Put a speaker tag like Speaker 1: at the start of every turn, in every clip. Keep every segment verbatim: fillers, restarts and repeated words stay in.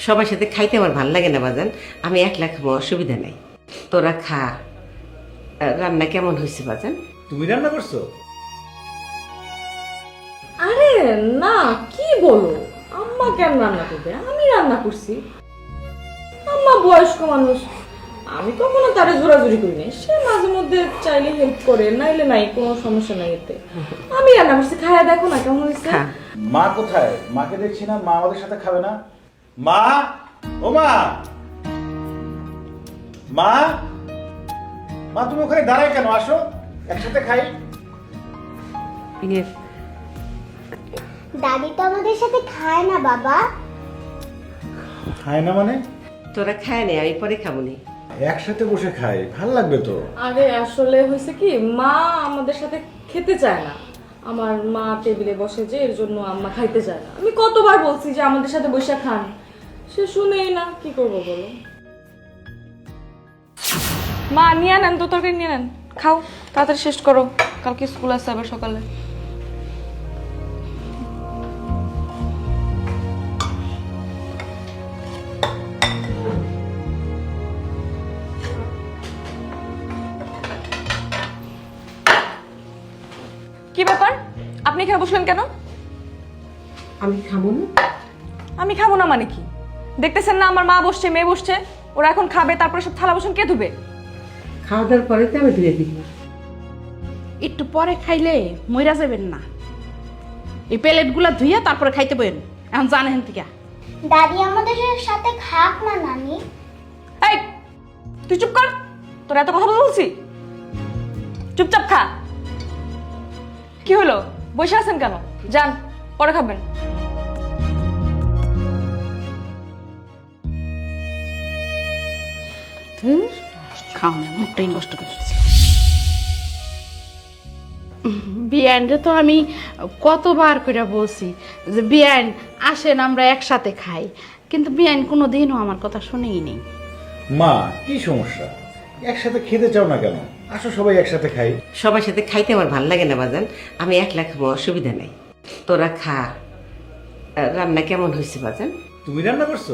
Speaker 1: সবার সাথে খাইতে আমার ভালো লাগে না বাজান, আমি একলা খাবো, অসুবিধা নাই। তোরা খা। রান্না কেমন হয়েছে বাজান?
Speaker 2: তুমি রান্না করছো?
Speaker 3: আরে না, কি বলো, আম্মা কেন রান্না করবে? আমি রান্না করছি। আম্মা বয়স্ক মানুষ, আমি কখনো তারে জোরাজুরি করি নাই। সে মাঝে মধ্যে চাইলে হেল্প করে, নাইলে নাই, কোনো সমস্যা নাই এতে। আমি রান্না করছি, খায়া দেখো না কেমন হয়েছে।
Speaker 1: খা।
Speaker 2: মা কোথায়? মাকে দেখছি না, মা আমাদের সাথে খাবে না। মা, ও মা, মা, মা তুমি ওখানে দাঁড়ায় কেন? আসো একসাথে খাই।
Speaker 1: ইয়ে,
Speaker 4: দাদি তো আমাদের সাথে খায় না বাবা।
Speaker 2: খায় না মানে?
Speaker 1: তোরা খায় নে, আমি পরে খাবো নি।
Speaker 2: একসাথে বসে খাই, ভাল লাগবে তো।
Speaker 3: আরে আসলে হয়েছে কি, মা আমাদের সাথে খেতে চায় না। আমার মা টেবিলে বসে যে, এর জন্য আম্মা খাইতে চায় না। আমি কতবার বলছি যে আমাদের সাথে বসে খান, সে শুনেই না। কি করবো বলো? মা নিয়ে নেন তো, তরকারি নিয়ে নেন, খাও, তাড়াতাড়ি শেষ করো, কালকে স্কুল আছে আবার সকালে। কি ব্যাপার, আপনি এখানে বসলেন কেন?
Speaker 1: আমি খাবো না।
Speaker 3: আমি খাবো না মানে কি? দেখতেছেন না আমার মা বসছে, মেয়ে বসছে, ওরা এখন খাবে, তারপরে সব থালা বাসন কে ধুবে?
Speaker 1: খাওয়া দাওয়ার পরে তো আমি ধুয়ে দিব।
Speaker 5: একটু পরে খাইলে মইরা যাবেন না। এই প্লেটগুলা ধুইয়া তারপরে খাইতে বইন। এখন জানেন থেকে
Speaker 4: দাদি আমাদের সাথে খাক না নানি।
Speaker 3: এই তুই চুপ কর, তোর এত কথা বলছি, চুপচাপ খা। কি হলো, বসে আছেন কেন? যান, পরে খাবেন।
Speaker 5: খাও না, মুখটাই নষ্ট করে দিচ্ছি। বিয়ানরে তো আমি কতবার করে বলছি যে বিয়ান আসেন আমরা একসাথে খাই, কিন্তু বিয়ান কোনো দিনও আমার কথা শুনেই নেই।
Speaker 2: মা, কি সমস্যা? একসাথে খেতে চাও না কেন? আসো সবাই একসাথে খাই।
Speaker 1: সবার সাথে খাইতে আমার ভালো লাগে না বাজান, আমি একলা খাবো, অসুবিধা নাই। তোরা খা। রান্না কেমন হয়েছে বাজান?
Speaker 2: তুমি রান্না করছো?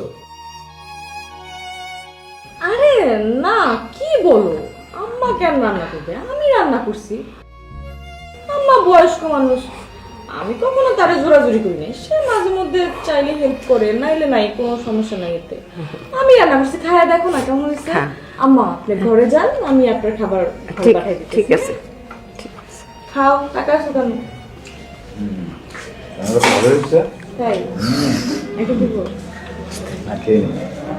Speaker 3: আরে না, কি বলো, আম্মা কেন রান্না করবে? আমি রান্না করছি। আম্মা বয়স্ক মানুষ, আমি কখনো তারে জোরাজুরি করি নাই। সে মাঝে মধ্যে চাইলে হেল্প করে, নাইলে নাই, কোনো সমস্যা নাই এতে। আমি রান্না করছি, খায়া দেখো না কেমন হয়েছে।
Speaker 1: হ্যাঁ।
Speaker 3: আম্মা আপনি ঘরে যান, আমি আপনার খাবার ঘরে
Speaker 1: ঠিক
Speaker 3: পাঠাই দিতেছি।
Speaker 1: ঠিক আছে।
Speaker 3: খাও, টাকা আছে কেন?
Speaker 2: ভালো হচ্ছে?
Speaker 3: তাই একটু দিব?
Speaker 2: না, খেয়ে নি।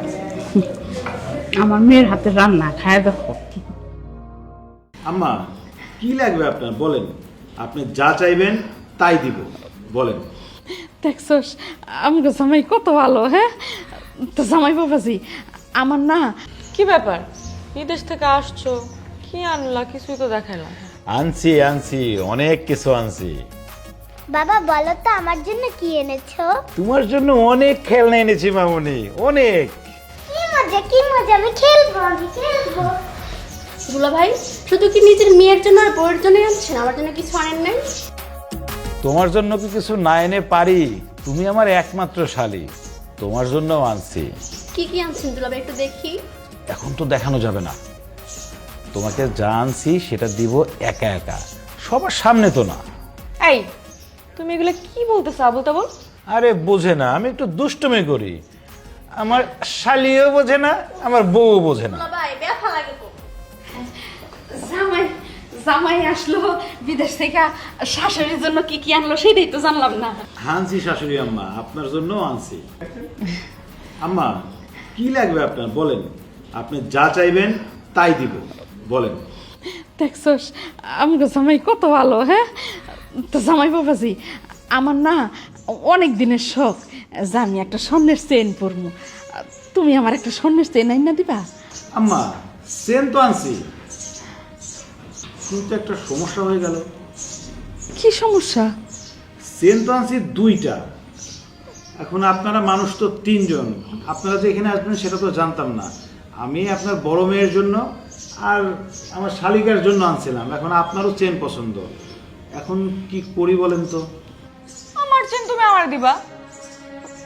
Speaker 5: আমার মেয়ের হাতে রান্না খায় দেখো।
Speaker 2: আম্মা, কি লাগবে আপনার বলেন, আপনি যা চাইবেন তাই দিব, বলেন।
Speaker 5: দেখছস আমাকে জামাই কত ভালো। হ্যাঁ তো জামাই বাবাজি, আমার না
Speaker 3: কি ব্যাপার, বিদেশ থেকে আসছো, কি আনলা? কিছুই তো দেখাইলাম।
Speaker 6: আনছি আনছি অনেক কিছু আনছি।
Speaker 4: বাবা বলো তো আমার জন্য কি এনেছো?
Speaker 6: তোমার জন্য অনেক খেলনা এনেছি মামুনি, অনেক।
Speaker 4: কি মজা, কি মজা, আমি খেলবো, আমি খেলবো।
Speaker 7: দুলা ভাই শুধু কি নিজের মেয়ের জন্য আর বউয়ের জন্য আনছেন, আমার জন্য কিছু আনেন নাই?
Speaker 6: তোমার জন্য কি কিছু না এনে পারি? তুমি আমার একমাত্র শালী, তোমার জন্য আনছি।
Speaker 7: কি কি আনছেন দুলা ভাই, একটু দেখি।
Speaker 6: এখন তো দেখানো যাবে না, তোমাকে যা আনছি সেটা দিব একা একা, সবার সামনে তো না।
Speaker 3: এই তুমি এগুলো কি বলতেছো আবুল তাবুল?
Speaker 6: আরে বোঝে না, আমি একটু দুষ্টুমি করি। আমার শালিও বোঝে না, আমার বউও বোঝে না।
Speaker 7: দুলা ভাই ব্যথা লাগে তো।
Speaker 5: জামাই জামাই আসলো বিদেশ থেকে, শাশুড়ির জন্য কি কি আনলো সেটাই তো জানলাম না।
Speaker 2: আনছি শাশুড়ি আম্মা, আপনার জন্য আনছি। আম্মা, কি লাগবে আপনার বলেন, আপনি যা চাইবেন তাই দিব, বলেন।
Speaker 5: দেখছস আমাকে জামাই কত ভালো। হ্যাঁ তো জামাই বাবাজি, আমার না অনেক দিনের শখ যে আমি একটা স্বর্ণের চেন পরবো। তুমি আমার একটা স্বর্ণের চেন আইনা দিবা?
Speaker 2: আম্মা, সেন তো আনছি, কিন্তু একটা সমস্যা হয়ে গেল।
Speaker 5: কি সমস্যা?
Speaker 2: সেন তো আনছি দুইটা, এখন আপনারা মানুষ তো তিনজন, আপনারা যে এখানে আসবেন সেটা তো জানতাম না। আমি আপনার বড় মেয়ের জন্য আর আমার শালিকার জন্য আনছিলাম, এখন আপনারও চেন পছন্দ, এখন কি করি বলেন তো?
Speaker 3: আমার চেন তুমি আমার দিবা?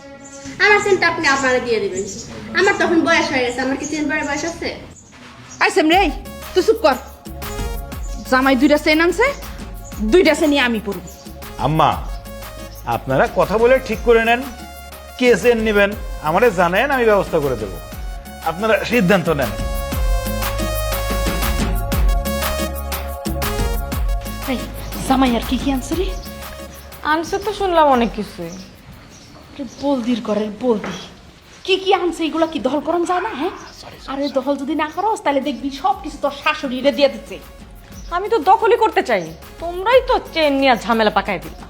Speaker 7: আমার চেনটা আপনি আপনারা দিয়ে দিবেন। আমার তখন বয়স হয়ে গেছে, আমার কি চেন পরার বয়স আছে?
Speaker 5: আইসেম রে, তুই চুপ কর। জামাই দুইটা চেন আনছে, দুইটা চেনই আমি পরব।
Speaker 6: আম্মা, আপনারা কথা বলে ঠিক করে নেন কে চেন নেবেন, আমারে জানেন, আমি ব্যবস্থা করে দেব। আপনারা সিদ্ধান্ত নেন।
Speaker 5: এই জামাই আর কি কি আনছে রে?
Speaker 3: আনছে তো শুনলাম অনেক কিছুই।
Speaker 5: আরে বলদির করে বলদি, কি কি আনছে এগুলা কি দহল করন যায় না? হ্যাঁ, আরে দহল যদি না করস তাহলে দেখবি সব কিছু তোর শাশুড়িরে দিয়ে দিচ্ছে।
Speaker 3: আমি তো দখলই করতে চাই, তোমরাই তো চেন নিয়ে ঝামেলা পাকাই দিলা।